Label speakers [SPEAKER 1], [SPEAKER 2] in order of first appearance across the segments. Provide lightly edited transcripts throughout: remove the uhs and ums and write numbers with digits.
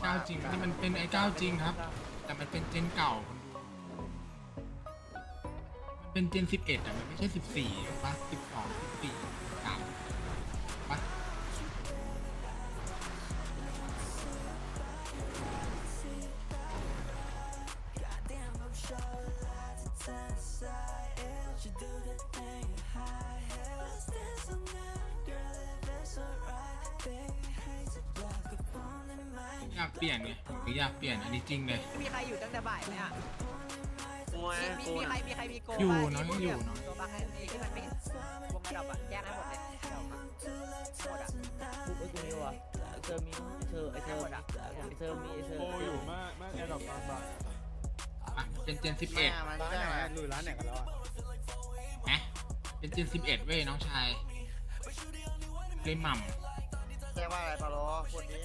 [SPEAKER 1] ก้าจริงนี่มันเป็นไอ้ก้าจริงครับแต่มันเป็นเจนเก่าคนดูมันเป็นเจน11อ่ะมันไม่ใช่14ป่ะ12 14 3ป่ะอยากเปลี่ยนไงผมก็อยากเปลี่ยนอันนี้จริงเลย
[SPEAKER 2] มีใครอยู่ตั้งแต่บ่ายไหมอ่ะมีใครมีโก
[SPEAKER 1] อยู่น้องยังอยู่น้อง
[SPEAKER 2] ตัวบ้างให้ที่มันไม่วงกระดอบอ่ะแยกให้หมดเลยหมดอ่ะ
[SPEAKER 3] ไอ้กูนี่วะเธอมีเธอไอเธอมีเธอมีเธอ
[SPEAKER 4] โอ้อยู่มากแอร์ดรอปตอนบ่าย
[SPEAKER 1] อ่ะเป็นเจน11
[SPEAKER 4] ร้านไหนลุยร้านไหนกันแล้วอ่ะ
[SPEAKER 1] นะเป็นเจน11เว้ยน้องชายเลยหม่ำ
[SPEAKER 5] แค่ว่าอะไรปะล้อคนนี้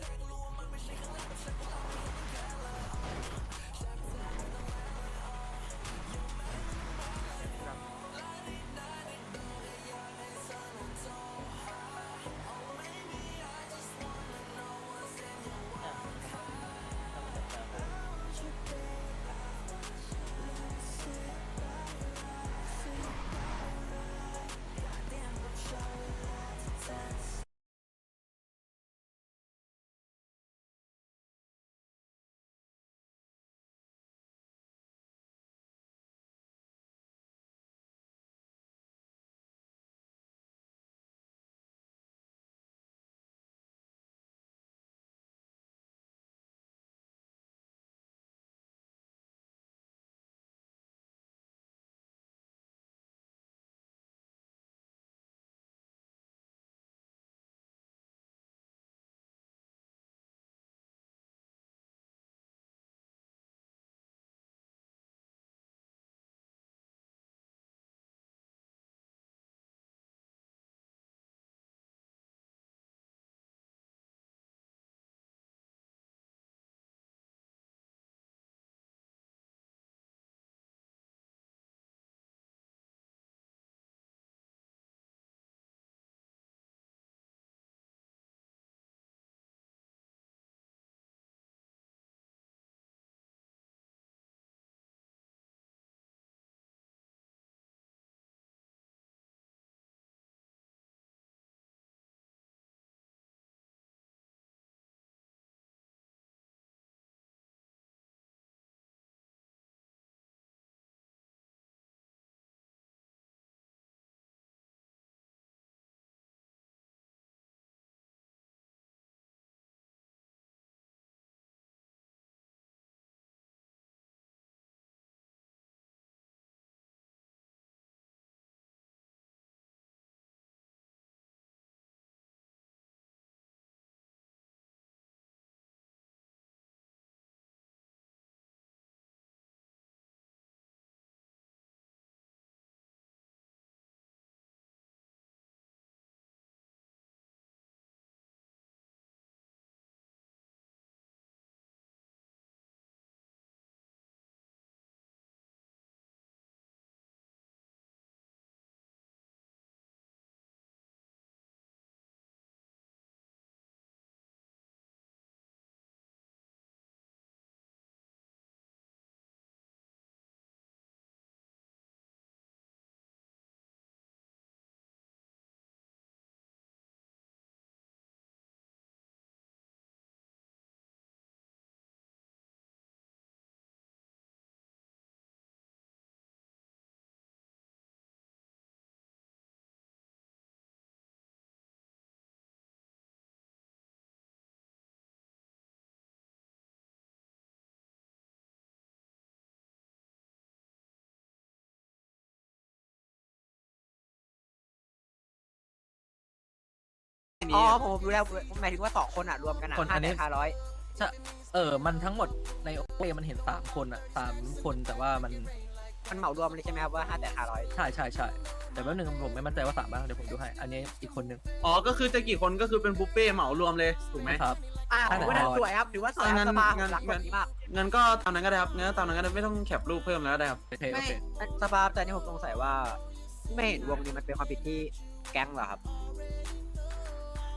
[SPEAKER 2] อ๋อผมรู้แล้วหมายถึงว่า2คนอ่ะรวมกันอ่ะ
[SPEAKER 3] คนอันนี้
[SPEAKER 2] 500
[SPEAKER 3] ใช่มันทั้งหมดในโอเคมันเห็น3 คนอ่ะ3 คนแต่ว่ามัน
[SPEAKER 2] มันเหมารวมเลยใช่ไหมครับว่า500
[SPEAKER 3] ใช่แต่แป๊บนึงผมไม่มั่นใจว่า3บ้างเดี๋ยวผมดูให้อันนี้อีกคนนึง
[SPEAKER 6] อ๋อ ก็คือจะกี่คนก็คือเป็นบุฟเฟ่เหมารวมเลยถูกไหม
[SPEAKER 3] ครับ
[SPEAKER 2] ถือว่าสวยครับถือว่าสวยสบายหลักแบบนี้มาก
[SPEAKER 6] งั้นก็ตามนั้นก็ได้ครับงั้นตามนั้นก็ได้ไม่ต้องแคปรูปเพิ่มแล้วก็ได้ครับ
[SPEAKER 3] โอเค
[SPEAKER 2] ไม่สบายแต่นี่ผมสงสัยว่าไม่เห็นวงนี้มันเป็นความผิดที่แก๊งเหรอครับ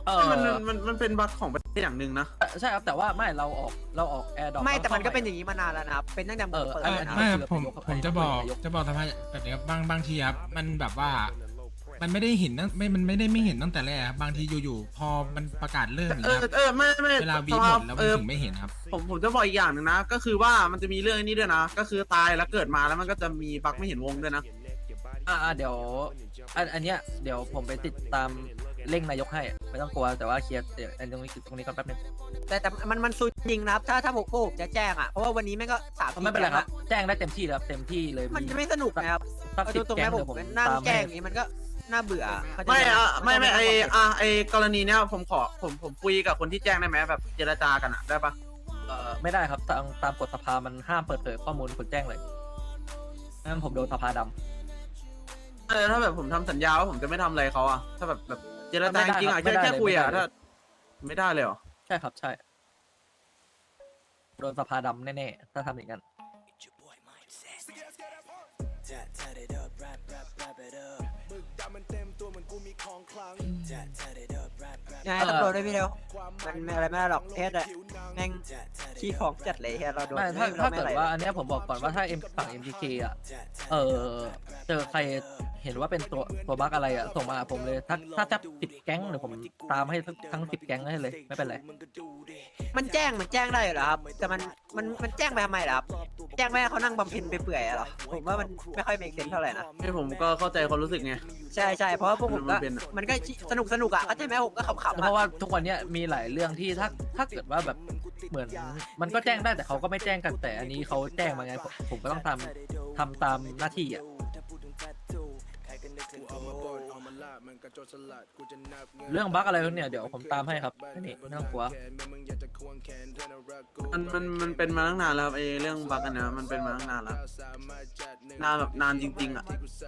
[SPEAKER 6] มันเป็นบั๊กของประเทศอย่างหนึ่งนะ
[SPEAKER 3] ใช่ครับแต่ว่าไม่เราออกแอร์ดอป
[SPEAKER 2] ไม่แต่มันก็เป็นอย่างนี้มานานแล้วนะครับเป็นตั้งแต่เปิด
[SPEAKER 3] เออ
[SPEAKER 2] เลยนะ
[SPEAKER 1] ไม่
[SPEAKER 3] คือ
[SPEAKER 1] ผม
[SPEAKER 3] เป็น
[SPEAKER 1] จะบอก
[SPEAKER 3] นายก
[SPEAKER 1] สภาแบบนี้ครับบางทีครับมันแบบว่า มันไม่ได้เห็นมันไม่ได้ไม่เห็นตั้งแต่แรกครับบางทีอยู่ๆพอมันประกาศเริ่มอย่างเงี้ยครับ
[SPEAKER 6] ไม่
[SPEAKER 1] เวลาวีหมดแล้วมันถึงไม่เห็นครับ
[SPEAKER 6] ผมจะบอกอีกอย่างหนึ่งนะ ก็คือว่ามันจะมีเรื่องนี้ด้วยนะ ก็คือตายแล้วเกิดมาแล้วมันก็จะมีบั๊กไม่เห็นวงด้วยนะ
[SPEAKER 3] เดี๋ยวอันเนี้ยเดี๋ยวผมไปติดตามเร่งนายกให้ไม่ต้องกลัวแต่ว่าเคลียร์เดี๋ยวตรงนี้ก่อนแป๊บนึง
[SPEAKER 2] แต่มันซุนจริงนะครับถ้าพวกผมจะแจ้งอ่ะเพราะว่าวันนี้แม่งก็3
[SPEAKER 3] ไม่เป็นไรครับแจ้งได้เต็มที่แล้วเต็มที่เลย
[SPEAKER 2] มันจะไม่สนุกนะครับ
[SPEAKER 3] สัก
[SPEAKER 2] เอา
[SPEAKER 3] สิบ
[SPEAKER 2] ตรงๆ
[SPEAKER 3] แก๊ง
[SPEAKER 2] นะผ
[SPEAKER 3] เดี๋ย
[SPEAKER 2] ม
[SPEAKER 3] วผม
[SPEAKER 2] นั่ง
[SPEAKER 3] ตาม
[SPEAKER 2] แจ้
[SPEAKER 3] ให้
[SPEAKER 2] งอย่างนี้มันก็น่าเบื่อเข้าใจ
[SPEAKER 6] ไอกรณีเนี้ยผมคุยกับคนที่แจ้งได้ไหมแบบเจรจากันอะได้ปะ
[SPEAKER 3] ไม่ได้ครับตามกฎสภามันห้ามเปิดเผยข้อมูลคนแจ้งเลยงั้นผมโดนสภาดำ
[SPEAKER 6] ถ้าแบบผมทำสัญญาว่าผมจะไม่ทำอะไรเขาอะถ้าแบบเจรจาจริงๆอะแค่คุยอะถ้าไม่ได้เลยเหรอ
[SPEAKER 3] ใช่ครับใช่โดนสภาดำแน่ๆถ้าทำอย่างนั้น
[SPEAKER 2] ยังไงตำรวจด้วยพี่เดียวมันอะไรไม่ได้หรอกเทสอะแม่งขี้ของจัดเลยเฮียเราโดน
[SPEAKER 3] ไม่ถ้าเกิดว่าอันเนี้ยผมบอกก่อนว่าถ้าฝั่ง MTK อ่ะเจอใครเห็นว่าเป็นตัวบั๊กอะไรอ่ะส่งมาหาผมเลยถ้าจับ10 แก๊งเดี๋ยวผมตามให้ทั้ง10 แก๊งให้เลยไม่เป็นไร
[SPEAKER 2] มันแจ้งได้เหรอครับแต่มันแจ้งไปทำไมล่ะครับแจ้งไม่ให้เขานั่งบำเพ็ญไปเปื่อยๆเหรอผมว่ามันไม่ค่อยเมคเซนเท่าไหร่นะ
[SPEAKER 6] ให้ผมก็เข้าใจความรู้สึกไง
[SPEAKER 2] ใช่เพราะว่าพวกผมก็
[SPEAKER 6] มันเป็น
[SPEAKER 2] มันก็สนุกอ่ะเข้าใจไหมผมก็ขำๆ
[SPEAKER 3] เพราะว่าทุกวันเนี้ยมีหลายเรื่องที่ถ้าเกิดว่าแบบเหมือนมันก็แจ้งได้แต่เขาก็ไม่แจ้งกันแต่อันนี้เขาแจ้งมาไงผมก็ต้องทำตามหน้าที่อ่ะเรื่องบั๊กอะไรพวกเนี่ยเดี๋ยวผมตามให้ครับนี่ไม่ต้องกลัว
[SPEAKER 6] มันเป็นมาตั้งนานแล้วครับไอเรื่องบั๊กอันเนี้ยมันเป็นมาตั้งนานแล้วนานแบบนานจริงๆอะ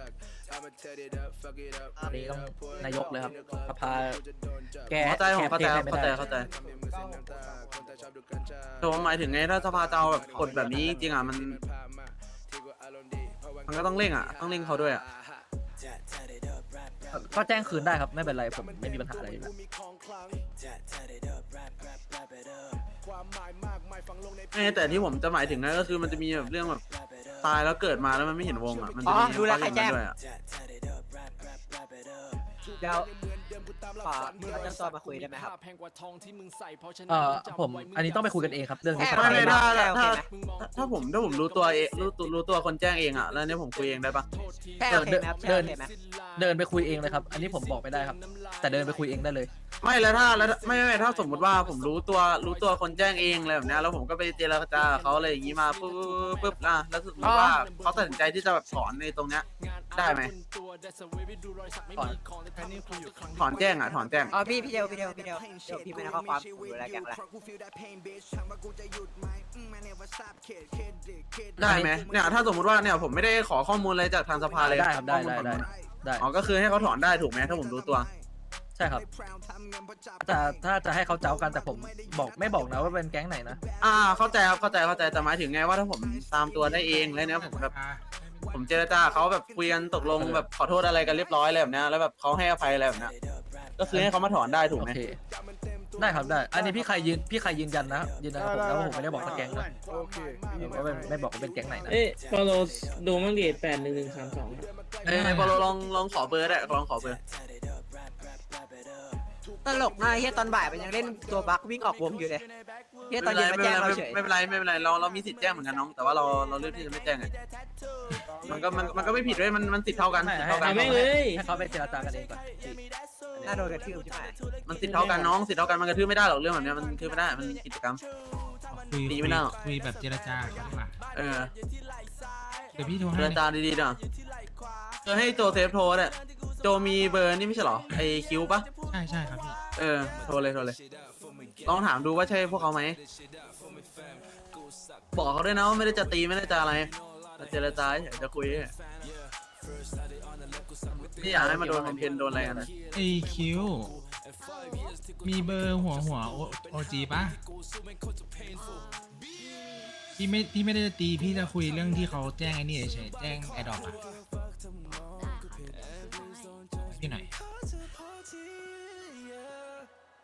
[SPEAKER 3] อันนี้ต้องนายกเลยครับสภาแก
[SPEAKER 6] เข้าใจผมเข้าใจ
[SPEAKER 3] แก้
[SPEAKER 6] ครับ
[SPEAKER 3] ไม่
[SPEAKER 6] เข้าใจ
[SPEAKER 3] ได้
[SPEAKER 6] เข้าใจแต่ผมหมายถึงไงถ้าสภาจะเอาแบบกดแบบนี้จริงๆอ่ะมันก็ต้องเร่งอ่ะต้องเร่งเขาด้วยอ่ะ
[SPEAKER 3] ก็แจ้งคืนได้ครับไม่เป็นไรผมไม่มีปัญหาอะไรอยู่แล้ว
[SPEAKER 6] แต่ที่ผมจะหมายถึงนะก็คือมันจะมีแบบเรื่องแบบตายแล้วเกิดมาแล้วมันไม่เห็นวงอ่ะมัน
[SPEAKER 2] อ๋
[SPEAKER 6] จะ
[SPEAKER 2] อ
[SPEAKER 6] มี
[SPEAKER 2] ดูแลใครแจ้ง
[SPEAKER 6] ด้วยอ่ะ
[SPEAKER 2] เดี๋ยวขอพี่เอาเจ้าตัวมาคุยได้ไหมครับ
[SPEAKER 3] ผมอันนี้ต้องไปคุยกันเองครับเรื่องนี้
[SPEAKER 2] แค่
[SPEAKER 6] ไม่
[SPEAKER 2] โอเค
[SPEAKER 6] ถ้าผมรู้ตัวเองรู้ตัวคนแจ้งเองอ่ะแล้วเนี่ยผมคุยเองได้ปะ
[SPEAKER 2] แค่โอเคไหมครับแค่โอเคไหม
[SPEAKER 3] เดินไปคุยเองเลยครับอันนี้ผมบอกไม่ได้ครับ แต่เดินไปคุยเองได้เลย
[SPEAKER 6] ไม่แล้วไม่ถ้าสมมติว่าผมรู้ตัวคนแจ้งเองอะไรแบบเนี้ยแล้วผมก็ไปเจรจากับเขาอะไรอย่างงี้มาปุ๊บแล้วสมมติว่าเขาตัดสินใจที่จะแบบถอนในตรงเนี้ยได้ไหมถอนแจ้งอ่ะถอนแจ้ง
[SPEAKER 2] อ๋อพี่เดียวเดี๋ยวพี่ไม่ได้ข้อความผมดูแลแกงละ
[SPEAKER 6] ได้ไหมเนี่ยถ้าสมมติว่าเนี่ยผมไม่ได้ขอข้อมูลอะไรจากทางสภาเลย
[SPEAKER 3] ได้ครับได้
[SPEAKER 6] ข้อมูล
[SPEAKER 3] ได้
[SPEAKER 6] ฝั่งนู้นอะ
[SPEAKER 3] ได้
[SPEAKER 6] อ๋อก็คือให้เขาถอนได้ถูกไหมถ้าผมรู้ตัว
[SPEAKER 3] ใช่ครับถ้าจะให้เขาเจ้ากันแต่ผมไม่บอกนะว่าเป็นแก๊งไหนนะ
[SPEAKER 6] เข้าใจครับเข้าใจแต่หมายถึงไงว่าถ้าผมตามตัวได้เองแล้วเนี่ยผมแบบผมเจรจาเขาแบบคุยกันตกลงแบบขอโทษอะไรกันเรียบร้อยอะไรแบบเนี้ยแล้วแบบเขาให้อภัยอะไรแบบเนี้ยก็คือให้เขามาถอนได้ถูก
[SPEAKER 3] โอ
[SPEAKER 6] ไหม
[SPEAKER 3] เคได้ครับได้อันนี้พี่ใครยืนยันนะยืนยันกับผมนะว่าผมไม่ได้บอกสักแก๊งนะ
[SPEAKER 4] โอเค
[SPEAKER 3] ผมก็ไม่บอกว่าเป็นแก๊งไหนนะ
[SPEAKER 7] เอ้ยฟอลโลดูมั่งดิ81132
[SPEAKER 6] พอเราลองขอเบอร์ได้ลองขอเบอร์
[SPEAKER 2] ตลกมากเฮียตอนบ่ายมันยังเล่นตัวบั๊กวิ่งออกวงอยู่เลยเฮียตอนเย็นมาแจ้งเราเฉย
[SPEAKER 6] ไม่เป็นไรเรามีสิทธิ์แจ้งเหมือนกันน้องแต่ว่าเราเลือกที่จะไม่แจ้งไงมันก็ไม่ผิดด้วยมันสิทธิ์เท่ากันสิทธิ์เท่ากัน
[SPEAKER 7] เอาแม่งเลย
[SPEAKER 3] ให้เขาไปเจรจากันเองก่อน
[SPEAKER 2] น่าโดนกระทืบใช่ไหม
[SPEAKER 6] มันสิทธิ์เท่ากันน้องสิทธิ์เท่ากันมันกระทืบไม่ได้หรอกเรื่องแบบเนี้ยมันกระทืบไม่ได้มันกิจกรรม ดีไม่น่าหรอก
[SPEAKER 1] คุยแบบเจรจากันดีกว่า เดี๋ยวพี่โทร
[SPEAKER 6] เจ
[SPEAKER 1] ให้
[SPEAKER 6] รจาดีๆเนาะให้โจเซฟโทรเนี่ยโจมีเบอร์นี่ไม่ใช่หรอไอคิวปะ
[SPEAKER 1] ใช่ครับพี่
[SPEAKER 6] โทรเลยลองถามดูว่าใช่พวกเขาไหมบอกเขาด้วยนะว่าไม่ได้จะตีไม่ได้จะอะไรเจรจาเฉยจะคุยนี่อยากให้มาโดนคอมเพนโดนอะไรกันนะ
[SPEAKER 1] ไอคิวมีเบอร์หัวโอจีปะพี่ไม่ได้จะตีพี่จะคุยเรื่องที่เขาแจ้งไอ้นี่เฉยแจ้งไอดอปอะพี่หน่อย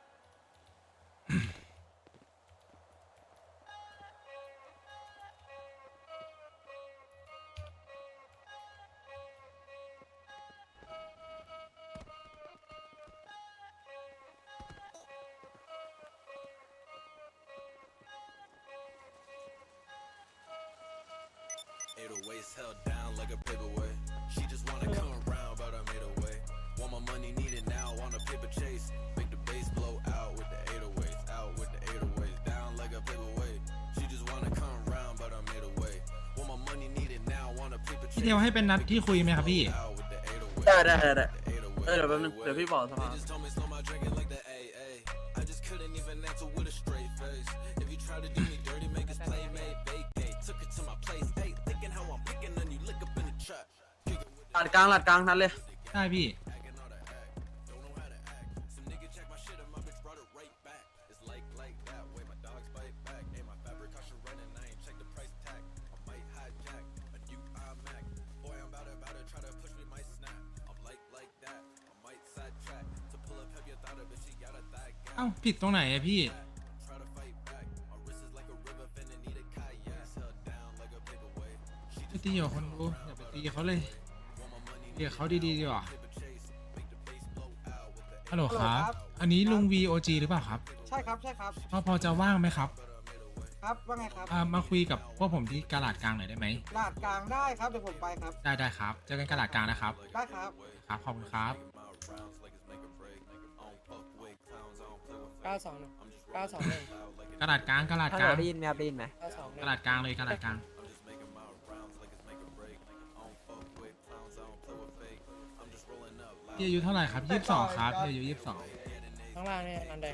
[SPEAKER 8] 808s held down like a paperweight. She just wanna come around, but I made a way. Want my money, need it now, want a paper chase. Make the bass blow out with the 808s, out with the 808s, down like a paperweight. She just wanna come around, but I made a way. Want my money, need it now, want a paper
[SPEAKER 1] พี่
[SPEAKER 8] chase.
[SPEAKER 1] เทลให้เป็นนัดที่คุยไหมครับพี่
[SPEAKER 8] Out with the 808s.
[SPEAKER 6] ได้เดี๋ยวแป๊บนึงเดี๋ยวพี่บอกสภา
[SPEAKER 8] They just told me slow my drinking like the AA. I just couldn't even answer with a straight face. If you try to do me dirty, make us playmate vacate. Took it to my place, hey, thinking how I'm picking on you, look up in the trap.
[SPEAKER 6] หลัดกลางนั้นเลย
[SPEAKER 1] ได้พี่
[SPEAKER 8] Don't know how to act. Some nigga check my shit and my bitch brought it right back. It's like that way my dogs bite back. Hey, my fabric cost you running, I ain't check the price tag. I might hijack a new iMac. Boy, I'm about to try to push me, might snap. I'm like that. I might sidetrack to pull up heavy. I thought of it, she got a thigh gap.
[SPEAKER 1] เอ้าผิดตรงไหนอะพี่
[SPEAKER 8] Try to fight back. My wrist is like a river, finna need a kayak. Held down like a paperweight. She
[SPEAKER 1] ไปตีกับคนดูอย่าไปตีเขาเลยตีกับเขาดีๆดีกว่าฮัลโหลครับ อันนี้ลุง VOG หรือเปล่าครับ
[SPEAKER 4] ใช่ครับใช่ครับ
[SPEAKER 1] พอจะว่างไหมครับ
[SPEAKER 4] ครับว่าไงครับ
[SPEAKER 1] มาคุยกับพวกผมที่กาลาดกลางหน่อยได้ไหม
[SPEAKER 4] ลาดกลางได้ครับเดี๋ยวผมไปครับ
[SPEAKER 1] ได้ครับเจอกันกาลาดกลางนะครับ
[SPEAKER 4] ได้ครับ
[SPEAKER 1] ครับขอบคุณครับ
[SPEAKER 7] 921 921
[SPEAKER 1] กาลาดกลางกาลาด
[SPEAKER 2] ฮัล
[SPEAKER 1] ก
[SPEAKER 2] โหล
[SPEAKER 1] ลาง
[SPEAKER 2] ได้ยินไหมครับได้ยินไหม
[SPEAKER 1] กาลาดกลางเลยกาลาดกลางพี่อายุเท่าไหร่ครับ22ครับพี่อายุ22
[SPEAKER 7] ข้างล่างเนี่ยนันแดง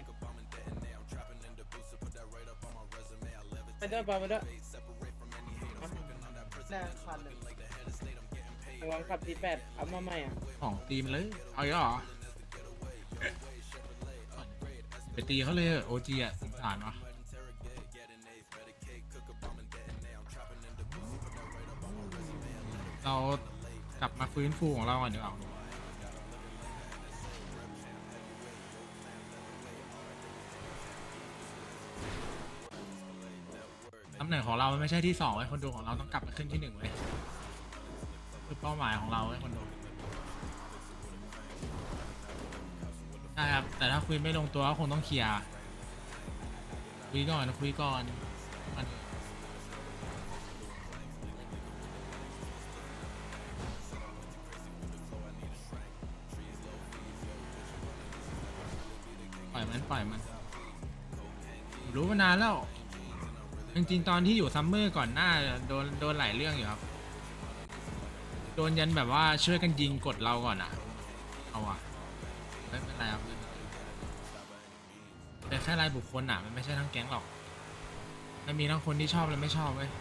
[SPEAKER 7] ไปด้วยไปด้วย
[SPEAKER 4] แดงคันหนึ่ง
[SPEAKER 7] ลองขับทีแปดเอามาใหม่อ่ะ
[SPEAKER 1] ของตีมเลยเอาอีกแล้วเหรอไปตีเขาเลยโอจีอ่ะสงสารวะเรากลับมาฟื้นฟูของเราก่อนดีกว่าตำแหน่งของเราไม่ใช่ที่2ไว้คนดูของเราต้องกลับมาขึ้นที่1ไว้คือเป้าหมายของเราไว้คนดูใช่ครับแต่ถ้าคุยไม่ลงตัวก็คงต้องเคลียร์คุยก่อนมันปล่อยมันผมรู้มานานแล้วจริงๆตอนที่อยู่ซัมเมอร์ก่อนหน้าโดนหลายเรื่องอยู่ครับโดนยันแบบว่าช่วยกันยิงกดเราก่อนอ่ะเอาอ่ะไม่เป็นไรครับแต่แค่รายบุคคลอ่ะมันไม่ใช่ทั้งแก๊งหรอกมันมีทั้งคนที่ชอบและไม่ชอบเว้ย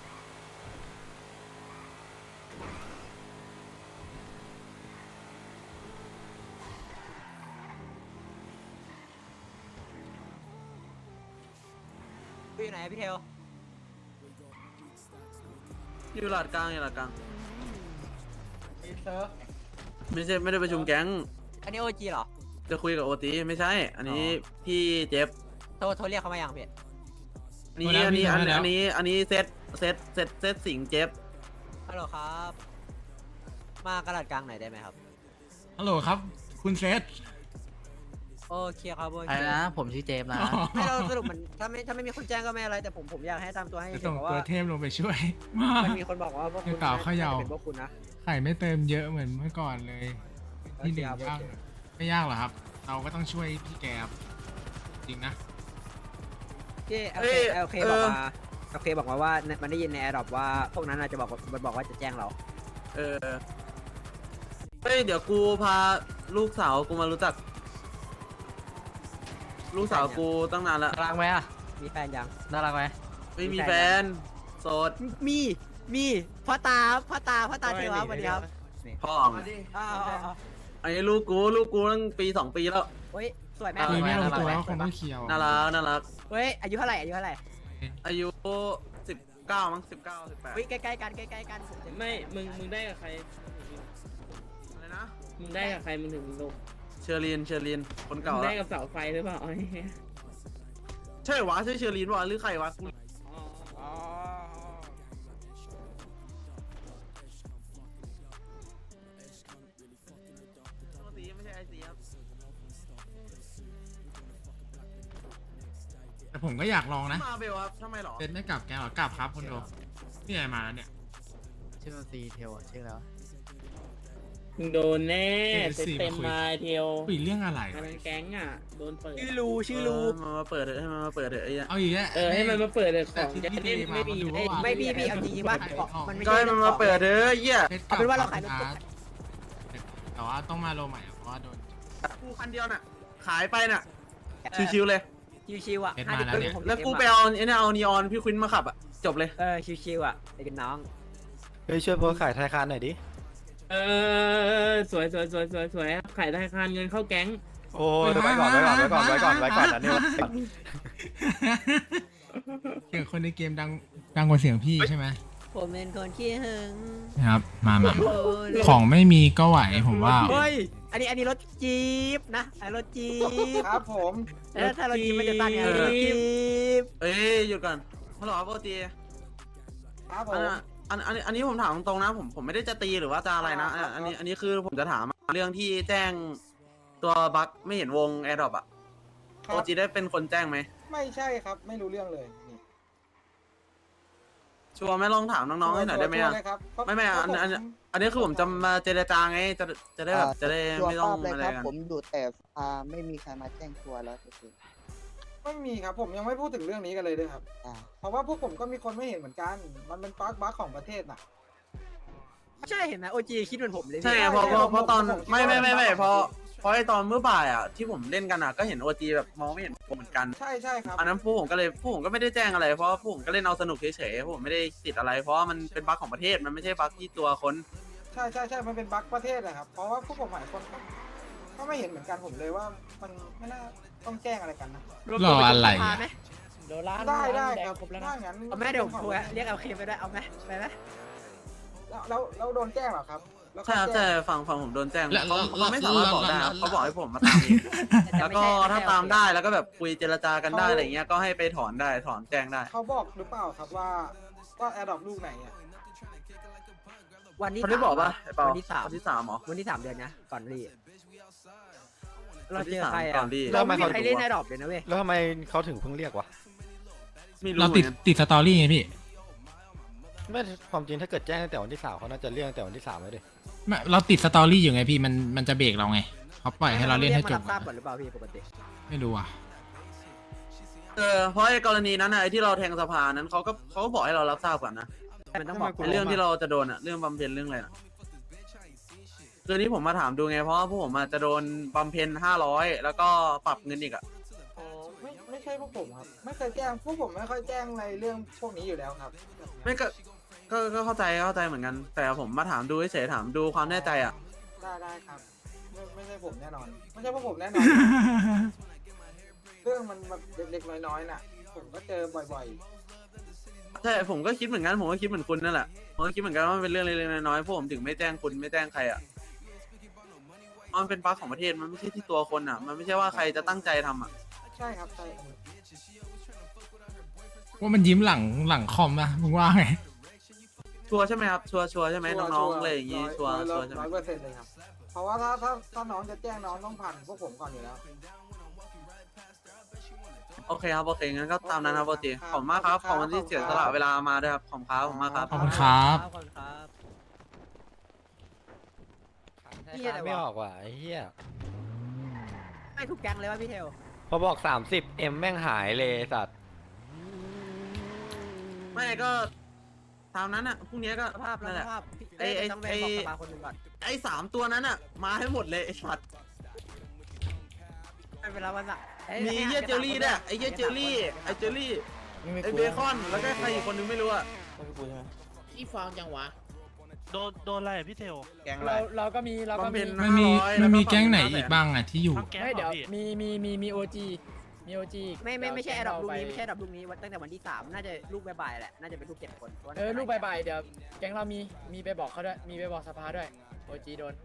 [SPEAKER 2] พี่อยู่ไหนพี่เทล
[SPEAKER 6] อยู่หลัดกลาง
[SPEAKER 4] มีเซิร์ฟ
[SPEAKER 6] ไม่ได้ประชุมแก๊ง
[SPEAKER 2] อันนี้โอจีเหรอ
[SPEAKER 6] จะคุยกับโอตีไม่ใช่ อันนี้พี่เจฟ
[SPEAKER 2] โทรเรียกเขามายังพี่
[SPEAKER 6] อันนี้เซตสิงเจฟ
[SPEAKER 2] ฮัลโหลครับ มากระดาษกลางหน่อยได้ไหมครับ
[SPEAKER 1] ฮัลโหลครับคุณเซธ
[SPEAKER 2] โอเคครับโอ
[SPEAKER 3] ไอ้
[SPEAKER 2] เค
[SPEAKER 3] นะผมชื่อเจมส์นะ
[SPEAKER 2] ให้เราสรุปมันถ้าไม่มีคนแจ้งก็ไม่อะไรแต่ผมอยากให้ตามตัวให้
[SPEAKER 1] จะ
[SPEAKER 2] เห็
[SPEAKER 1] ส่
[SPEAKER 2] น
[SPEAKER 1] ง
[SPEAKER 2] เพราะ
[SPEAKER 1] ตั
[SPEAKER 2] ว่า
[SPEAKER 1] วเทพลงไปช่วย
[SPEAKER 2] มันมีคนบอกว่าพวกคุณ
[SPEAKER 1] เก่าเขย่า
[SPEAKER 2] เป็นพวกคุณนะ
[SPEAKER 1] ไข่ไม่เติมเยอะเหมือนเมื่อก่อนเลยที่หนึ่ง
[SPEAKER 2] โอเค
[SPEAKER 1] ยากไม่ยากหรอครับ เราก็ต้องช่วยพี่แกครับจริงนะ
[SPEAKER 2] พี่โอเคบอกมาโอเคบอกมาว่ามันได้ยินในแอร์ดรอปว่าพวกนั้นอาจจะบอกว่าจะแจ้งเรา
[SPEAKER 6] เฮ้ยเดี๋ยวกูพาลูกสาวกูมารู้จัก ลูกสาวกูตั้งนานแล้ว
[SPEAKER 3] น่ารักไหมอ่ะ
[SPEAKER 2] มีแฟนยัง
[SPEAKER 3] น่ารักไหม
[SPEAKER 6] ไม่มีแฟนโสด
[SPEAKER 2] มีพ่อตาเทวะสวัสดีครับ
[SPEAKER 6] พ่อ
[SPEAKER 2] อ้าว
[SPEAKER 6] อันนี้ลูกกูตั้งปี2 ปีแล้ว
[SPEAKER 2] เฮ้ยสวยไหม
[SPEAKER 1] คุยไม่ลงตัวก็คงต้องเคลียร์
[SPEAKER 6] น่ารัก
[SPEAKER 2] เฮ้ยอายุเท่าไหร่
[SPEAKER 6] อายุ19มั้ง19
[SPEAKER 2] เฮ้ยใกล้ๆกันผมจะ
[SPEAKER 7] ไม่มึงได้กับใคร
[SPEAKER 6] 18อะไรนะ
[SPEAKER 7] มึงได้กับใครมึงถึงลง
[SPEAKER 6] เชอรีนคน
[SPEAKER 7] มึ
[SPEAKER 6] เก่าง
[SPEAKER 7] ได้
[SPEAKER 6] แล้ว
[SPEAKER 7] กับเสาไฟหรือเปล่าไอ้เหี้ย
[SPEAKER 6] ใช่วะใช่เชอรีนวะหรือใครวะกู
[SPEAKER 7] อ๋อ
[SPEAKER 6] ไม่ใช่ไอซีครับ
[SPEAKER 1] แต่ผมก็อยากลองนะ
[SPEAKER 6] มาเบลครับทำไมหรอ
[SPEAKER 1] เซธไม่กลับแกหรอกลับครับคนดูพี่ใหญ่มาแล้วเนี่ย
[SPEAKER 5] ชื่อซีเทลชื่อแล้ว
[SPEAKER 7] มึงโดนแน่เต็มมาเทียว
[SPEAKER 1] คุยเรื่องอะไร
[SPEAKER 7] อันนั้นแก๊งอ่ะโดนเปิด
[SPEAKER 2] ชื่อรู
[SPEAKER 6] มาเปิดเถอะให้มันมาเปิดเถอะไอ้เหี้ย
[SPEAKER 1] เอาอีกแล้ว
[SPEAKER 7] ให้มันมาเปิดเลยของ
[SPEAKER 1] ที่
[SPEAKER 7] จะ
[SPEAKER 1] พี่
[SPEAKER 7] เล่น
[SPEAKER 1] มา
[SPEAKER 7] ไม่มี
[SPEAKER 1] ดู
[SPEAKER 7] ให้
[SPEAKER 1] ว่า
[SPEAKER 2] ไม่พี่เอาจริงๆว่ามันไม่
[SPEAKER 6] ก็
[SPEAKER 2] ใช่
[SPEAKER 6] ให้มันมาเปิดเถอะไอ้เหี้ย
[SPEAKER 2] เอาเป็นว่าเราขายรถ
[SPEAKER 1] แต่ว่าต้องมาโลใหม่อะเพราะว่าโดน
[SPEAKER 6] กูคันเดียวน่ะขายไปน่ะชิวๆเลย
[SPEAKER 2] ชิวๆอ่ะ
[SPEAKER 1] เอ็ดมาแล้วเนี่ย
[SPEAKER 6] แล้วกูไปเอาไอ้เนี่ยเอานีออนพี่ควินมาขับอ่ะจบเลย
[SPEAKER 2] ชิวๆอ่ะไอ้กันน้อง
[SPEAKER 5] เฮ้ยช่วยโพสขายธนาคารหน่อยดิ
[SPEAKER 7] สวยขายธนาคารเงินเข้าแก๊ง
[SPEAKER 5] โอ้ยไว้ก่อนอันนี้
[SPEAKER 1] เสียงคนในเกมดังกว่าเสียงพี่ใช่ไหม
[SPEAKER 2] ผมเป็นคนขี้หึง
[SPEAKER 1] นะครับมาของไม่มีก็ไหวผมว่า
[SPEAKER 2] เฮ้ยอันนี้รถจี๊ปนะไอ้รถจี๊ป
[SPEAKER 4] ครับผม
[SPEAKER 2] แล้วถ้ารถจี๊ปมันจะตั้งไงรถจี๊ป
[SPEAKER 6] เอ้ยหยุดก่อนฮัลโหลครับปกติ
[SPEAKER 4] ครับผ
[SPEAKER 6] อั
[SPEAKER 4] ม
[SPEAKER 6] นนี้ผมถามตรงๆนะผมไม่ได้จะตีหรือว่าจะอะไรนะอันนี้คือผมจะถามเรื่องที่แจ้งตัวบั๊กไม่เห็นวงแอร์ดรอปอ่ะ
[SPEAKER 4] ค
[SPEAKER 6] โอ
[SPEAKER 4] รับ
[SPEAKER 6] จีได้เป็นคนแจ้งไหม
[SPEAKER 4] ไม่ใช่ครับไม่รู้เรื่องเลยนี่
[SPEAKER 6] ชัวร์ไหมลองถามน้องๆให้หน่อยได้ไหม
[SPEAKER 4] ชัว
[SPEAKER 6] อ่ะ
[SPEAKER 4] ร์เลยครับ
[SPEAKER 6] ไม่อันนี้คือผมจะมาเจรจาไงจะได้แบบจะได้ไม่ต้องอะไรกัน
[SPEAKER 9] ผมอยู่แต่ไม่มีใครมาแจ้งตัวแล้วคือ
[SPEAKER 4] ไม่มีครับผมยังไม่พูดถึงเรื่องนี้กันเลยด้วยครับ เพราะว่าพวกผมก็มีคนไม่เห็นเหมือนกัน มันเป็นบั๊กของประเทศน่ะ
[SPEAKER 2] ใช่เห็นไหมโอจีคิดเหมือนผมเลย
[SPEAKER 6] ใช่ไงเพราะตอนไม่เพราะไอตอนเมื่อบ่ายอ่ะที่ผมเล่นกันอ่ะก็เห็นโอจีแบบมองไม่เห็นผมเหมือนกัน
[SPEAKER 4] ใช่ครับ
[SPEAKER 6] อันนั้นพวกผมก็ไม่ได้แจ้งอะไรเพราะว่าพวกผมก็เล่นเอาสนุกเฉยๆพวกผมไม่ได้ติดอะไร เพราะว่ามันเป็นบั๊กของประเทศมันไม่ใช่บั๊กที่ตัวคน
[SPEAKER 4] ใช่มันเป็นบั๊กประเทศนะครับ เพราะว่าพวกผมหลายคนก็ไม่เห็นเหมือนกันผมเลยว่ามันไม่น่าต้องแจ้งอะไรกันนะ
[SPEAKER 1] รออะไรอะ
[SPEAKER 7] โดนล้าน
[SPEAKER 4] ได้
[SPEAKER 7] แด
[SPEAKER 4] ครั
[SPEAKER 7] ง
[SPEAKER 4] บ
[SPEAKER 7] ครบแล้ว
[SPEAKER 4] ถ้า
[SPEAKER 7] นะ
[SPEAKER 4] งั้น
[SPEAKER 2] เอาแม่เดี๋ยวผมโทรเรียกเอาเคไปด้วยเอาไหมไปไหม
[SPEAKER 4] แล้วโดนแจ้งเหรอครับแล้ว
[SPEAKER 6] ใช่ครับ
[SPEAKER 4] แจ้
[SPEAKER 6] ใช่
[SPEAKER 4] ง
[SPEAKER 6] ฝั่งผมโดนแจ้ง
[SPEAKER 1] แล้ว
[SPEAKER 6] เขาไม่สามารถบอกได้ครับเขาบอกให้ผมมาตามเองแล้วก็ถ้าตามได้แล้วก็แบบคุยเจรจากันได้อะไรเงี้ยก็ให้ไปถอนได้ถอนแจ้งได้
[SPEAKER 4] เขาบอกหรือเปล่าครับว่าแอร์ดรอปลูกไหนอ่ะ
[SPEAKER 2] วันที่
[SPEAKER 6] เขาได้บอกป่ะไอ้เปา
[SPEAKER 2] วันที่
[SPEAKER 6] วันที่สามเหรอ
[SPEAKER 2] วันที่3 เดือนนะก่อนรีเรา
[SPEAKER 6] วัน
[SPEAKER 2] เจ
[SPEAKER 6] ที่
[SPEAKER 2] อ
[SPEAKER 6] สาม
[SPEAKER 2] ใคร
[SPEAKER 6] ก่
[SPEAKER 2] อ่ะ
[SPEAKER 6] อนดี
[SPEAKER 2] เราไม่มีใครเล่นในดอกเลยนะเว้ย
[SPEAKER 5] แล้วทำไมเขาถึงเพิ่งเรียกวะ
[SPEAKER 6] ไม่รู้
[SPEAKER 1] เรา
[SPEAKER 6] เหมือนกัน
[SPEAKER 1] ติดสตอรี่ไงพี่
[SPEAKER 5] ไม่ความจริงถ้าเกิดแจ้งตั้งแต่วันที่3เขาน่าจะเรียกตั้งแต่วันที่3แล้วดิ
[SPEAKER 1] ไม่เราติดสตอรี่อยู่ไงพี่มันจะเบรกเราไงเขาปล่อยให้เราเล่นให้จบ
[SPEAKER 2] มารับทราบก่อนหรือเปล่าพี่ปกติ
[SPEAKER 1] ไม่รู้อ่ะ
[SPEAKER 6] เพราะไอ้กรณีนั้นไอ้ที่เราแทงสภานั้นเขาก็บอกให้เรารับทราบก่อนนะ
[SPEAKER 2] มันต้องบอก
[SPEAKER 6] ไอ้เรื่องที่เราจะโดนอะเรื่องบำเพ็ญเรื่องอะไรนะคือนี้ผมมาถามดูไงเพราะว่าพวกผมอะจะโดนบำเพ็ญ500แล้วก็ปรับเงินอีกอะ
[SPEAKER 4] อ๋อไม่ใช่พวกผมครับ ไม่เคยแจ้งพวกผมไม่ค่อยแจ้งในเรื่องพวกนี้อยู่แล้วครับ
[SPEAKER 6] ไม่ก็เข้าใจเหมือนกัน แต่ผมมาถามดูเฉยๆถามดูความแน่ใจอะ
[SPEAKER 4] ได้ครับไม่ใช่ผมแน่นอน ไม่ใช่พวกผมแน่นอน เรื่องมันแบบเล็กๆน้อยๆน่ะ ผมก็เจอบ่อย
[SPEAKER 6] ใช่ผมก็คิดเหมือนกันผมก็คิดเหมือนคุณนั่นแหละผมก็คิดเหมือนกันว่ามันเป็นเรื่องเล็กๆน้อยๆพวกผมถึงไม่แจ้งคุณไม่แจ้งใครอะมันเป็นบั๊กของประเทศมันไม่ใช่ที่ตัวคนอะมันไม่ใช่ว่าใครจะตั้งใจทำอะ
[SPEAKER 4] ๆ ใช่ครับใช่
[SPEAKER 1] ว่ามันยิ้มหลังคอมนะมึงว่าไง
[SPEAKER 6] ชัวร์ใช่ไหมครับชัวร์ใช่ไหมน้องๆอะไรอย่างงี้ชัวร์ใช่ไหม
[SPEAKER 4] 100%เลยครับ เพราะว่าถ้าน้องจะแจ้งน้องต้องผ่านพวกผมก่อนอยู่แล้ว
[SPEAKER 6] โอเคครับโอเคงั้นก็ตามนั้นครับปกติขอบคุณมากครับขอบคุณที่เสียสละเวลามาด้วยครับขอบคุณมากครับ
[SPEAKER 1] ขอบคุณครับ
[SPEAKER 2] ขอบคุณครับ
[SPEAKER 5] ธนาคารไม่ออกว่ะไอ้เหี้ย
[SPEAKER 2] ไม่ถูกแก๊งเลยว่าพี่เทล
[SPEAKER 5] พอบอก30M แม่งหายเลยสัตว์
[SPEAKER 6] ไม่ก็ตามนั้นอ่ะพรุ่งนี้ก็
[SPEAKER 2] สภาพ
[SPEAKER 6] นั่นแหละ
[SPEAKER 2] สภาพพี่
[SPEAKER 6] ไอ้
[SPEAKER 2] ต้องไปบอกสภาคนหนึ่งก่อน
[SPEAKER 6] ไอ้3ตัวนั้นอ่ะมาให้หมดเลยไอ้สัตว์
[SPEAKER 2] ไม่เป็นไรวันละ
[SPEAKER 6] มีเหี้ยเจลลี่ด้วยไอ้เหี้ยเจลลี่ไอ้เจลลี่ไอ้เบคอนแล้วก็ใครอีกคนนึงไม่รู้อ่ะ
[SPEAKER 7] ที่ฟองจังวะ
[SPEAKER 10] โดนอะไรอะพี่เทล
[SPEAKER 5] แกงอะไร
[SPEAKER 7] เราก็มี
[SPEAKER 6] บำเพ็ญ
[SPEAKER 1] มันมีแก๊งไหนอีกบ้างอ่ะที่อยู่
[SPEAKER 10] ทั้งแก๊ง
[SPEAKER 7] ไม่
[SPEAKER 10] เหร
[SPEAKER 7] เดี๋ยว
[SPEAKER 10] อพี่
[SPEAKER 7] มีโอจีมีโอจี
[SPEAKER 2] ไม่ใช่แอดดอกลูกนี้ไม่ใช่แอดดอกลูกนี้ตั้งแต่วันที่3น่าจะลูกบ่ายๆแหละน่าจะเป็นลูก7 คน
[SPEAKER 7] ลูกใบเดี๋ยวแก๊งเรามีไปบอกเขาด้วยมีไปบอกสภาด้วยโอจีโดน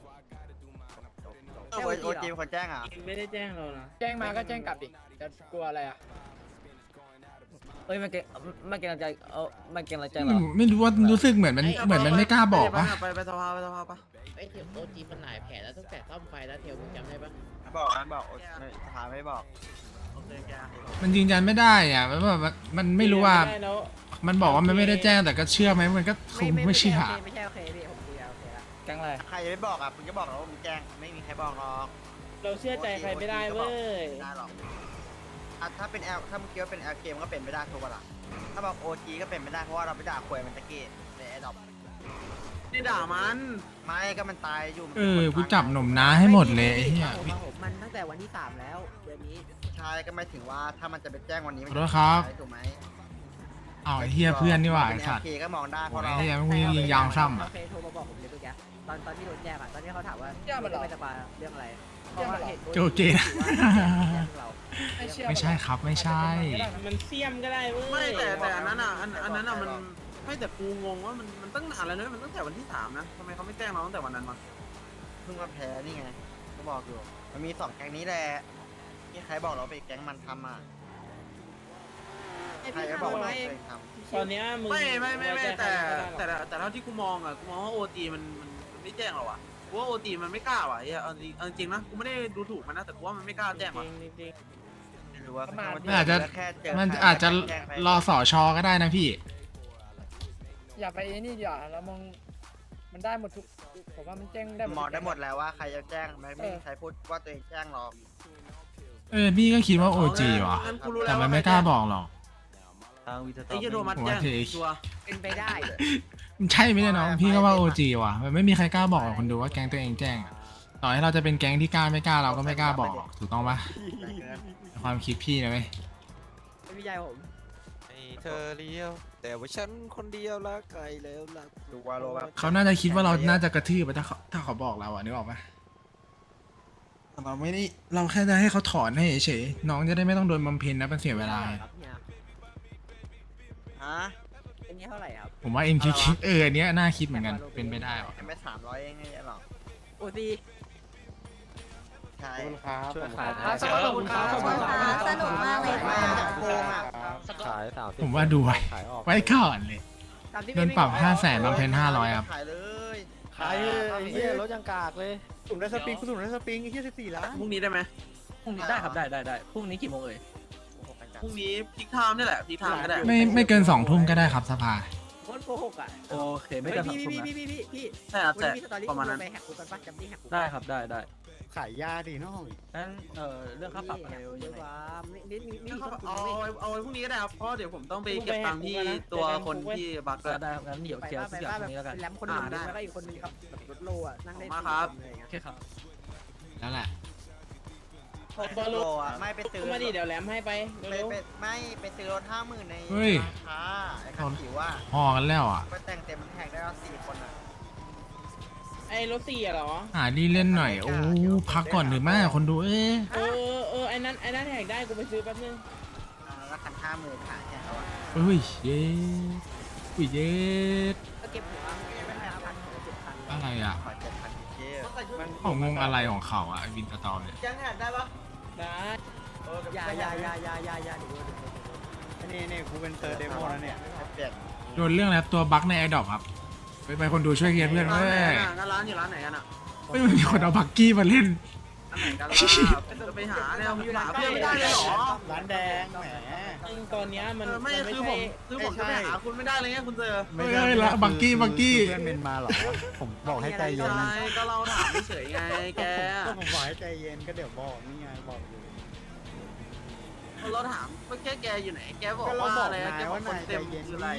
[SPEAKER 2] โอจีคนแจ้งอ่ะ
[SPEAKER 7] ไม่ได้แจ้งเรานะแจ้งมาก็แจ้งกลับดิจะกลัวอะไรอ่ะ
[SPEAKER 3] เอ้ยมันเก่งมันเก่งใจมันเก่งใจเหรอ
[SPEAKER 1] ไม่รู้ว่ารู้สึกเหมือนมันไม่กล้าบอกปะ
[SPEAKER 6] ไปสภาปะ
[SPEAKER 7] ไอ้เทียวโอจีมันหลายแผลแล้วตั้งแต่ซ่อมไฟแล้วเทียวมึงจำได้ปะ
[SPEAKER 5] บอกสภาไม่บอก
[SPEAKER 6] โอเคแก
[SPEAKER 1] มันยืนยันไม่ได้อ่ะมันแบบมันไม่รู้ว่ามันบอกว่ามันไม่ได้แจ้งแต่ก็เชื่อไหมมันก็คงไม่เชื่อ
[SPEAKER 2] ไม่ใช่โอเคพี่ผมคุยโอเคละ
[SPEAKER 3] แก๊งอะไร
[SPEAKER 9] ใครจะไม่บอกอ่ะมึงจะบอกเหรอว่ามึงแจ้งไม่มีใครบอกหรอก
[SPEAKER 7] เราเชื่อใจใครไม่ได้เว้ย
[SPEAKER 9] ไม่ได้หรอกถ้าเป็นถ้ามึงคิดว่าเป็น LK มันก็เป็นไม่ได้ทุกเวลาถ้าบอก OG ก็เป็นไม่ได้เพราะว่าเราไปด่าควยมันตะกี้ในแอดดอป
[SPEAKER 6] นี่ด่ามัน
[SPEAKER 9] ไม่ก็มันตายอยู่มัน
[SPEAKER 1] กูจับหนุ่มน้าให้หมดเลยไอ้เหี้ย
[SPEAKER 2] ผมมันตั้งแต่วันที่3แล้วเดือนนี้
[SPEAKER 9] ใช่ก็ไม่ถึงว่าถ้ามันจะไปแจ้งวันนี้
[SPEAKER 1] ขอโทษครับ
[SPEAKER 9] ถูกไหม
[SPEAKER 1] อ้าวไอ้เหี้ยเพื่อนนี่หว่าไอ้
[SPEAKER 9] เป็น
[SPEAKER 1] สัตว์
[SPEAKER 9] LK ก็มองได้เพราะ
[SPEAKER 1] ไอ้
[SPEAKER 9] เรา
[SPEAKER 1] เหี้ยไม่มียางซ้ำ
[SPEAKER 2] โอ
[SPEAKER 1] อ่ะ
[SPEAKER 2] เคโทรมาบอกผมเลยเมื่อกี้ตอนที่โดนแจ้งอ่ะตอนที่เขาถามว่าไม่สบายเรื่องอะไรเพราะว่าเหตุผล
[SPEAKER 1] โจเจนะ
[SPEAKER 2] เรา
[SPEAKER 1] ไม่ใช่ครับไม่ใช่
[SPEAKER 7] มันเสี่ยมก็ได้เว้ย
[SPEAKER 6] ไม่แต่อันนั้นอ่ะอันนั้นอ่ะมันไม่แต่กูงงว่ามันตั้งนานแล้วนะมันตั้งแต่วันที่3นะทำไมเขาไม่แจ้งเราตั้งแต่วันนั้นมา
[SPEAKER 9] เพิ่งมาแพ้นี่ไงก็บอกอยู่มันมี2แก๊งนี้แหละที่ใครบอกเราไปแก๊งมันทำอ่ะใครก็บอกว่าตัวเองทำ
[SPEAKER 7] ตอนเนี้ยมึง
[SPEAKER 6] ไม่
[SPEAKER 7] ไว้ใจใคร
[SPEAKER 6] แต่
[SPEAKER 7] ไม่ได้หรอก
[SPEAKER 6] แต่เท่าที่กูมองอ่ะกูมองว่าโอทีมันไม่แจ้งเราอ่ะกูว่าโอทีมันไม่กล้าว่ะเอาจริงนะกูไม่ได้ดูถูกมันนะแต่กูว่ามันไม่กล้าแจ้งว่ะ
[SPEAKER 7] จริง
[SPEAKER 9] ไม่รู้ว่า
[SPEAKER 7] ประมาณ
[SPEAKER 1] มันอาจจะ
[SPEAKER 9] แค่เจ
[SPEAKER 1] มัน
[SPEAKER 9] ใคร
[SPEAKER 1] อาจจะ
[SPEAKER 9] แจ้งไป
[SPEAKER 1] รอสอชอก็ได้นะพี่
[SPEAKER 7] ๆอย่าไปนี่ดีกว่าเรามองมันได้หมดทุกผมว่ามันแจ้งได้
[SPEAKER 9] มองได้หมดแล้วว่าใครจะแจ้งไม่มีใครพูดว่าตัวเองแจ้งหรอก
[SPEAKER 1] พี่ก็คิดว่าโอจีว่ะ
[SPEAKER 6] งั้นกูรู้
[SPEAKER 1] แต่
[SPEAKER 6] แล้ว
[SPEAKER 1] มัน
[SPEAKER 6] ว่า
[SPEAKER 1] ไม่กล้าบอกหรอก
[SPEAKER 6] ไอ้เหี้ยโทมัสแจ้งชัวร์
[SPEAKER 2] เป็นไปได้
[SPEAKER 1] ใช่ไหมเนี่ยน้องพี่ก็ว่าโอจีว่ะมันไม่มีใครกล้าบอกหรอกคนดูว่าแก๊งตัวเองแจ้งอะต่อให้เราจะเป็นแก๊งที่กล้าไม่กล้าเราก็ไม่กล้าบอกหรอกถูกต้องปะความคิดพี่นะเว้ย
[SPEAKER 2] ไม่มีใจผม
[SPEAKER 5] เธอเลี้ยวแต่ว่าฉันคนเดียวละไกลแล้วละ
[SPEAKER 9] ดูวาโลแบบ
[SPEAKER 1] เขาน่าจะคิดว่าเราน่าจะกระทืบไปถ้าเขาบอกเราอ่ะนึกออกปะแต่เราไม่ได้เราแค่จะให้เขาถอนให้เฉยๆน้องจะได้ไม่ต้องโดนบำเพ็ญนะเป็นเสียเวลา
[SPEAKER 2] ครับเนี่ย
[SPEAKER 9] ฮะ
[SPEAKER 2] เป็นนี้เท่าไหร่ครับ
[SPEAKER 1] ผมว่า MKK อันเนี้ยน่าคิดเหมือนกันเป็นไปได้หรอ
[SPEAKER 9] ไม่300เองไงหรอก
[SPEAKER 2] โอซี
[SPEAKER 9] ใช่
[SPEAKER 5] ช่วยขาย
[SPEAKER 7] ขอบคุณครับ
[SPEAKER 11] สนุกมากเลย
[SPEAKER 9] ไม่
[SPEAKER 11] ค่ะ
[SPEAKER 9] จะโกงอ่ะ
[SPEAKER 5] ขาย30
[SPEAKER 1] ผมว่าดูไว้
[SPEAKER 5] ขายออก
[SPEAKER 1] ไว้ก่อนเลยโดนปรับ500,000บำเพ็ญ500ครับ
[SPEAKER 9] ขายเลย
[SPEAKER 5] ขายเลยไอ้เหี้ยรถยังกากเลย
[SPEAKER 10] สุ่มได้สปริงกูสุ่มได้สปริงไอ้เหี้ย14 ล้าน
[SPEAKER 6] พรุ่งนี้ได้ไหม
[SPEAKER 3] พรุ่งนี้ได้ครับได้พรุ่งนี้กี่โมงเอ่ย
[SPEAKER 6] พรุ่งนี้พิกไทม์นี่แหละพิกไทม์ก็ได้
[SPEAKER 1] ไม่เกิน2 ทุ่มก็ได้ครับสภา
[SPEAKER 2] โคตรโกหกอ่ะ
[SPEAKER 3] โอเคไม่เกินสองทุ่มนะ
[SPEAKER 2] พี่
[SPEAKER 6] ใช่ครับ
[SPEAKER 2] วัน
[SPEAKER 6] แต่
[SPEAKER 2] นี้มีสตอรี่
[SPEAKER 6] ประมาณนั้น
[SPEAKER 2] ไปแฮกคุกกันปะจำที่แฮกคุก
[SPEAKER 3] ได้ครับได้
[SPEAKER 10] ขายยาดิน้อง
[SPEAKER 3] งั้นเรื่องค่าปรับอะไร
[SPEAKER 2] เย
[SPEAKER 3] ยัง
[SPEAKER 2] อะ
[SPEAKER 3] ไง
[SPEAKER 2] กว่าไม่มี
[SPEAKER 6] เอาไว้พรุ่งนี้ก็ได้ครับเพราะเดี๋ยวผมต้องไปเก็บตังค์ที่ตัวคนที่บัก
[SPEAKER 3] ก็ได้ครับงั้นเดี๋ยวเคลียร์ทุกอย่างตรงนี้แล้วกัน
[SPEAKER 2] แรมคนหนึ่งแล้วก็อีกคนนึงครับรถโลอ่ะนั่งได้
[SPEAKER 6] มาครับ
[SPEAKER 3] โอเคครับ
[SPEAKER 1] แล้วแหละ
[SPEAKER 9] บอลอ่ะไม่ไปซื้อ
[SPEAKER 7] มาดิเดี๋ยวแหลมให้ไปเร็ว
[SPEAKER 9] ไม่ไปซื้อรถ50,000ใน
[SPEAKER 1] เฮ้ย
[SPEAKER 9] ร้านค้าไอ้คันจิ๋วว่า
[SPEAKER 1] พอกันแล้วอ่ะ
[SPEAKER 9] ก็แต่งเต็มมันแท็กได้แล้ว4 คนอ่ะ
[SPEAKER 7] ไอ้รถ4เหรอ
[SPEAKER 1] หาดีเล่นหน่อยโอ้พักก่อนหรือไม่คนดู
[SPEAKER 7] ไอ้นั้นแหกได้กูไปซื้อแป๊บนึง
[SPEAKER 9] แล้วคัน50,000ขายแค่เขาอ่ะ
[SPEAKER 1] เฮ้ยเย็ดอุ้ยเย็ด
[SPEAKER 2] ก็เก็บหัวไม่ได้พัน7,000
[SPEAKER 1] อะไรอ่ะ
[SPEAKER 9] ขอ7,000เจ๊
[SPEAKER 1] เขางงอะไรของเขาอ่ะไอ้วินสตอมเนี่ย
[SPEAKER 6] ยังแหกได้ปะ
[SPEAKER 7] ได้
[SPEAKER 2] อย่าดู
[SPEAKER 10] นี่กูเป็นเซอร์เดโมแล้วเนี่ย
[SPEAKER 9] เปลี่ยน
[SPEAKER 1] โดนเรื่องแล้วตัวบั๊กในไอดอปครับไปคนดูช่วยเคลียร์เพื่อนเว้ย
[SPEAKER 6] ร้านอยู่ร้านไหนกันอ่ะ
[SPEAKER 1] ไม่มีคนเอาบักกี้มาเล่น
[SPEAKER 6] อันไหนกันล่ะจะไปหาเนี่ยหาเพื่อนไม่ได้เลยเหรอ
[SPEAKER 10] ร้านแดงแหม
[SPEAKER 7] จริงตอนเนี้ยมัน
[SPEAKER 6] ไม่คือผมจะไปหาคุณไม่ได้เลยไงคุณเจอ
[SPEAKER 1] เฮ้ยละบักกี้
[SPEAKER 10] เพื่อนเมนมาเหรอ ผมบอกให้ใจเย็น
[SPEAKER 6] ใช่ก็เราถามเฉยไงแก
[SPEAKER 10] ก็ผมบอกให้ใจเย็นก็เดี๋ยวบอกนี่ไงบอกอยู่
[SPEAKER 6] เราถามว่าแกอยู่ไหนแกบอก
[SPEAKER 10] ก็เรา
[SPEAKER 6] ว่า
[SPEAKER 10] บอก
[SPEAKER 6] อะไร
[SPEAKER 10] นาย
[SPEAKER 6] แกบอ
[SPEAKER 10] ว่าก
[SPEAKER 6] คน
[SPEAKER 10] นายใจ
[SPEAKER 6] เต็ม
[SPEAKER 10] เย็น
[SPEAKER 6] คืออะไร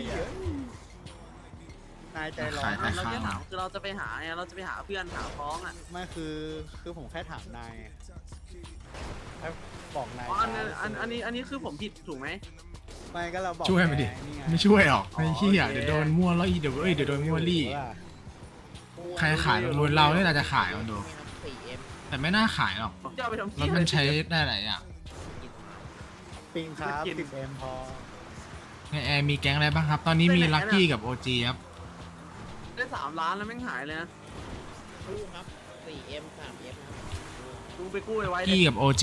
[SPEAKER 10] นายใจร้อน
[SPEAKER 6] เราจะถามคือเราจะไปหาไงเราจะไปหาเพื่อนหาพ้องอ่ะ
[SPEAKER 10] ไม่คือผมแค่ถามนายถ้าบอกนาย
[SPEAKER 6] อันนี้คือผมผิดถูกไหม
[SPEAKER 10] ไม่ก็เราบอก
[SPEAKER 1] ช่วยมาดิ
[SPEAKER 10] นี่ไง
[SPEAKER 1] ไม่ช่วยหรอกไอ้เหี้ยเดี๋ยวโดนมั่วแล้วอีเดี๋ยวโดนมั่วลี่ใครขายมูลเราเนี่ยเราจะขายมันดูแต่ไม่น่าขายหรอก
[SPEAKER 6] จะเอาไปทำ
[SPEAKER 1] รถมันใช้ได้หลายอย่าง
[SPEAKER 10] ปิงครับ10M พอ
[SPEAKER 1] ในแอร์มีแก๊งอะไรบ้างครับ ตอนนี้มีลักกี้กับโอจีครับ
[SPEAKER 6] ได้3 ล้านแล้วแม่งหายเลยนะ
[SPEAKER 7] กู้ครับ 4M 3M
[SPEAKER 6] ดูไปกู้ไว้
[SPEAKER 1] กี้กับโอจี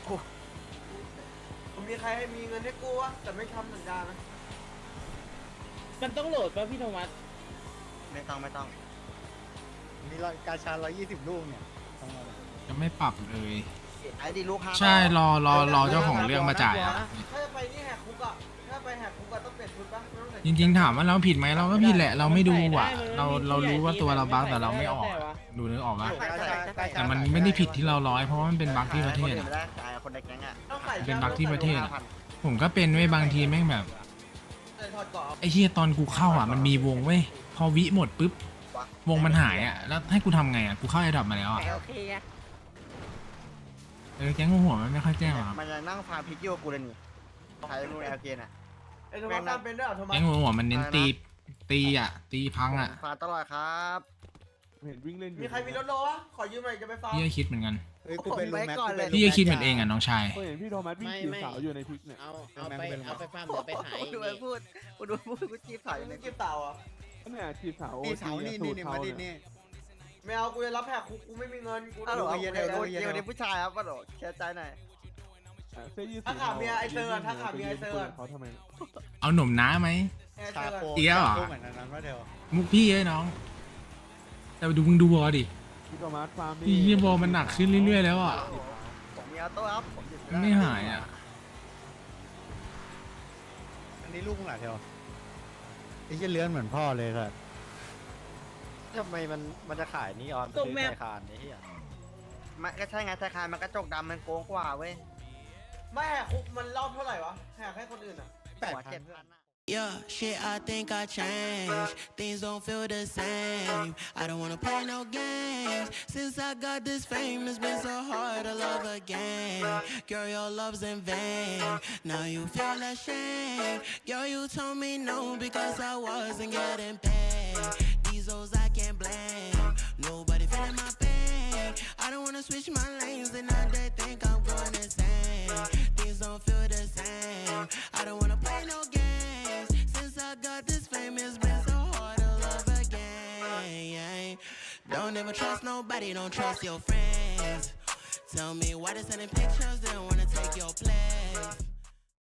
[SPEAKER 6] ผมมีใครให้มีเงินให้กู้วะแต่ไม่ทำสัญญานะ
[SPEAKER 7] มันต้องโหลดป่ะพี่โทมัส
[SPEAKER 9] ไม่ต้อง
[SPEAKER 10] มีกาชา120 ลูกเนี่ยต้องเอา
[SPEAKER 1] จะไม่ปรับเลย
[SPEAKER 9] ไอ้ดิลูก5
[SPEAKER 1] ใช่รอเจ้าของเรื่องมาจ่ายอ่ะ
[SPEAKER 6] ถ้าจะไปนี่แหกคุกอ่ะถ้าไปแหกคุกอ่ะต้องเปลี่ยนชุดปะไม่ต้องใส่
[SPEAKER 1] จริงๆถามว่าเราผิดไหมเราก็ผิดแหละ เราไม่ดูอ่ะ เรารู้ว่าตัวเราบั๊กแต่เราไม่ออกอะดูนึกออกปะแต่มันไม่ได้ผิดที่เราร้อยเพราะว่ามันเป็นบั๊กที่ประเทศ
[SPEAKER 9] ไม่
[SPEAKER 1] อะ
[SPEAKER 9] ได้ขายคนในแก๊งอ่ะ
[SPEAKER 1] เป็นบั๊กที่ประเทศอะผมก็เป็นไว้ยบางทีแม่งแบบไอ้เหี้ยตอนกูเข้าอ่ะมันมีวงเว้ยพอวิหมดปุ๊บวงมันหายอ่ะแล้วให้กูทำไงอ่ะกูเข้าไอ้ดรอปมาแล้วอ่ะ
[SPEAKER 2] โอเคไง
[SPEAKER 1] แก๊งหัวมันไม่ค่อยแจ้งหรอกครับ
[SPEAKER 9] มันจะนั่งฟาร์มพิกโยกูเลยนี่ใช้มึงแอลเกนอ่ะ
[SPEAKER 4] ไอ้โทมัสตามเป็นด้วยเหรอโทมัส
[SPEAKER 1] แก๊งหัวมันเน้นตีอ่ะตีพังอ่ะ
[SPEAKER 9] ฟาร์มตลอดครับ
[SPEAKER 10] เห็นวิ่งเล่นอยู่
[SPEAKER 4] มีใครมีรถโลวะขอยืมหน่อยจะไปฟาร์ม
[SPEAKER 1] พี่ก็คิดเหมือนกัน
[SPEAKER 10] เฮ้ยกูเป็นลูแม็กกูเป็น
[SPEAKER 1] พี่ก็คิดเหมือนเองอ่ะน้องชาย
[SPEAKER 10] เห็นพี่โทมัสวิ่งจีบสาวอยู่ในพิกเนี่ย
[SPEAKER 11] เอาไปฟาร์มเดี๋ยวไปขาย
[SPEAKER 9] กูดูมันพูดกูจีบสาวอยู่ใน
[SPEAKER 4] เก็บเต่าอ่ะ
[SPEAKER 10] เนี่ยจีบสาว
[SPEAKER 11] นี่เสานี่นี่มาดินี่
[SPEAKER 4] ไม่เอากูจะรับแหกคุกกูไม่มีเงินกู
[SPEAKER 9] ฮัลโหล
[SPEAKER 4] เอา
[SPEAKER 9] เย็น
[SPEAKER 4] เงิน
[SPEAKER 9] เย็นนี้ผู้ชายครับฮัลโหลแค่ใจหน่อย
[SPEAKER 10] เสื้อยืด
[SPEAKER 4] ถ้าขาเมียไอเซอร์ถ้าขาเมียไอเซอร์
[SPEAKER 10] เขาทำไม
[SPEAKER 1] เอาหนุ่มน้าไหม
[SPEAKER 4] ไอเซ
[SPEAKER 10] ตา
[SPEAKER 4] อร์
[SPEAKER 10] โป
[SPEAKER 1] เอี้ยเหรอ
[SPEAKER 10] เหมือนนั้นว่าเดียว
[SPEAKER 1] มุกพี่เอ้ยน้อง แต่ดูมึงดูวอดิ
[SPEAKER 10] พี่โทมัสฟาร์ม
[SPEAKER 1] พี่เฮียวอมันหนักขึ้นเรื่อยๆแล้วอ่ะ
[SPEAKER 9] ผมมีออโต้ครับผมหยุด
[SPEAKER 1] มันไม่หายอ่ะ
[SPEAKER 10] อันนี้ลูกมึงหลายเดียวไอ้เหี้ยเลื้อนเหมือนพ่อเลยครับ
[SPEAKER 5] ทำไมมันจะขายนีออนซื้อไทยคานไอ้เหี้ย
[SPEAKER 9] มันก็ใช่ไงธนาคารมันกระจกดำมันโกงกว่าเว้ย
[SPEAKER 4] ไม่แหกคุกมันรอบเท่าไหร่วะแหกให้คนอื่นอ่ะ
[SPEAKER 9] หัว7,000อะ
[SPEAKER 8] Yeah, shit, I think I changed. Things don't feel the same. I don't wanna play no games. Since I got this fame, it's been so hard to love again. Girl, your love's in vain. Now you feel ashamed. Girl, you told me no because I wasn't getting paid. These hoes I can't blame. Nobody feeling my pain. I don't wanna switch my lanes and now they think I'm going insane. Things don't feel the same. I don't wanna play no games. Since I got this fame, it's been so hard to love again. Don't ever trust nobody, don't trust your friends. Tell me why they sending pictures, they don't wanna take your place.